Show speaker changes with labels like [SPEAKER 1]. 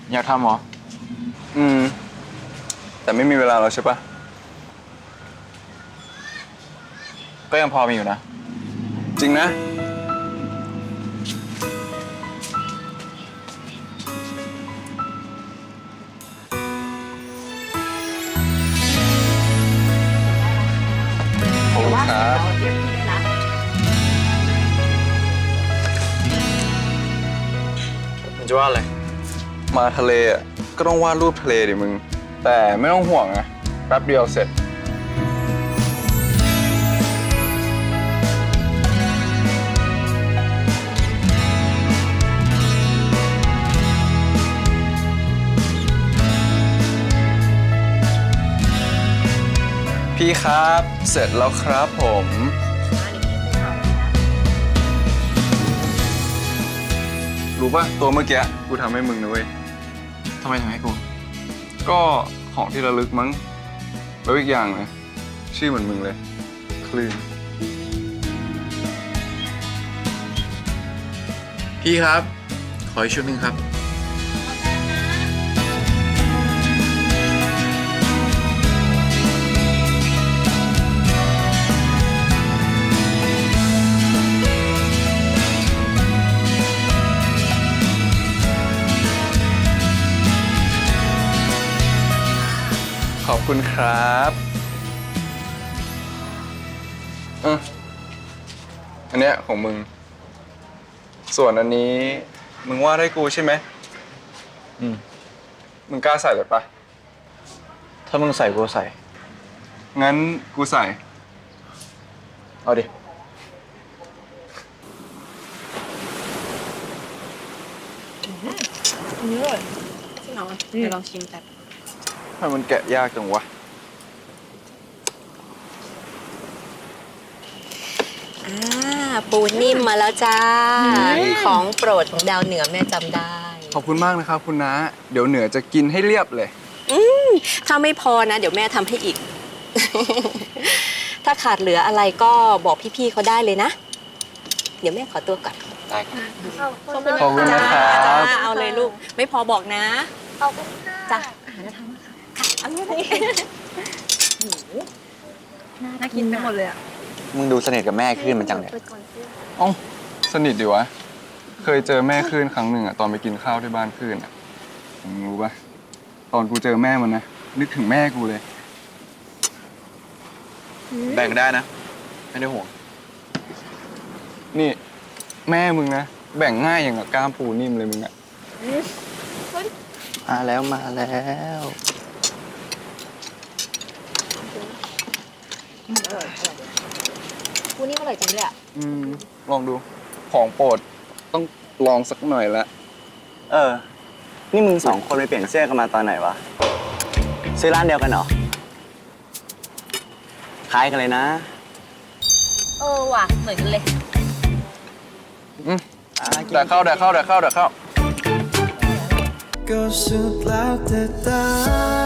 [SPEAKER 1] อยากทำเหรอ
[SPEAKER 2] แต่ไม่มีเวลาแล้วใช่ปะ
[SPEAKER 1] ก็ยังพอมีอยู่นะ
[SPEAKER 2] จริงนะขอบคุณครับ
[SPEAKER 1] มันจะว่าอะไร
[SPEAKER 2] มาทะเลอ่ะก็ต้องวาดรูปทะเลดิมึงแต่ไม่ต้องห่วงนะแป๊บเดียวเสร็จพี่ครับเสร็จแล้วครับผมรู้ป่ะตัวเมื่อกี้กูทำให้มึงนะเว้ย
[SPEAKER 1] ทำไมถึงให้กู
[SPEAKER 2] ก็ของที่ระลึกมั้งแล้วอีกอย่างเลยชื่อเหมือนมึงเลยคลื่น
[SPEAKER 1] พี่ครับขออีกชุดหนึ่งครับ
[SPEAKER 2] ขอบคุณครับอันเนี้ยของมึงส่วนอันนี้มึงวาดให้กูใช่ไหมมึงกล้าใส่เลยปะ
[SPEAKER 1] ถ้ามึงใส่กูใส่
[SPEAKER 2] งั้นกูใส่
[SPEAKER 1] เอาดิ
[SPEAKER 3] นี่เลยจริงเหรอเดี๋ยวลองชิมกัน
[SPEAKER 2] ทำไมมันแกะยากจังวะ
[SPEAKER 3] ปูนิ่มมาแล้วจ้าของโปรดของดาวเหนือแม่จำได้
[SPEAKER 2] ขอบคุณมากนะครับคุณน้าเดี๋ยวเหนือจะกินให้เรียบเลย
[SPEAKER 3] ถ้าไม่พอนะเดี๋ยวแม่ทำให้อีก ถ้าขาดเหลืออะไรก็บอกพี่ๆเขาได้เลยนะเดี๋ยวแม่ขอตัวก่อน
[SPEAKER 1] ได้ครับ
[SPEAKER 2] ขอบคุณนะครับ
[SPEAKER 3] เอาเลยลูกไม่พอบอกนะ
[SPEAKER 4] ขอบคุณค่ะ
[SPEAKER 3] จ้ะ
[SPEAKER 4] อาหารจะทำค่ะ
[SPEAKER 3] เอาเลย
[SPEAKER 4] น่ากินไปหมดเลยอ่ะ
[SPEAKER 1] มึงดูสนิทกับแม่ขึ้นมันจังเลย
[SPEAKER 2] เอ้าสนิทดีวะเคยเจอแม่คลื่นครั้งหนึ่งอะตอนไปกินข้าวที่บ้านคลื่นอะมึงรู้ปะตอนกูเจอแม่มันนะนึกถึงแม่กูเลย
[SPEAKER 1] แบ่งได้นะไม่ได้ห่วง
[SPEAKER 2] นี่แม่มึงนะแบ่งง่ายอย่างกับกล้ามปูนิ่มเลยมึงอะ
[SPEAKER 1] มาแล้วมาแล้ว
[SPEAKER 3] ปูนิ่มอร่อยจังเลยอ่ะ
[SPEAKER 2] ลองดูของโปรดต้องลองสักหน่อยละ
[SPEAKER 1] นี่มึงสองคนไปเปลี่ยนเสื้อกันมาตอนไหนวะซื้อร้านเดียวกันเหรอคล้ายกันเลยนะ
[SPEAKER 3] ว่ะเหมือนกันเลย
[SPEAKER 2] แต่เข้า
[SPEAKER 5] ก็สุดแล้วแต่ตา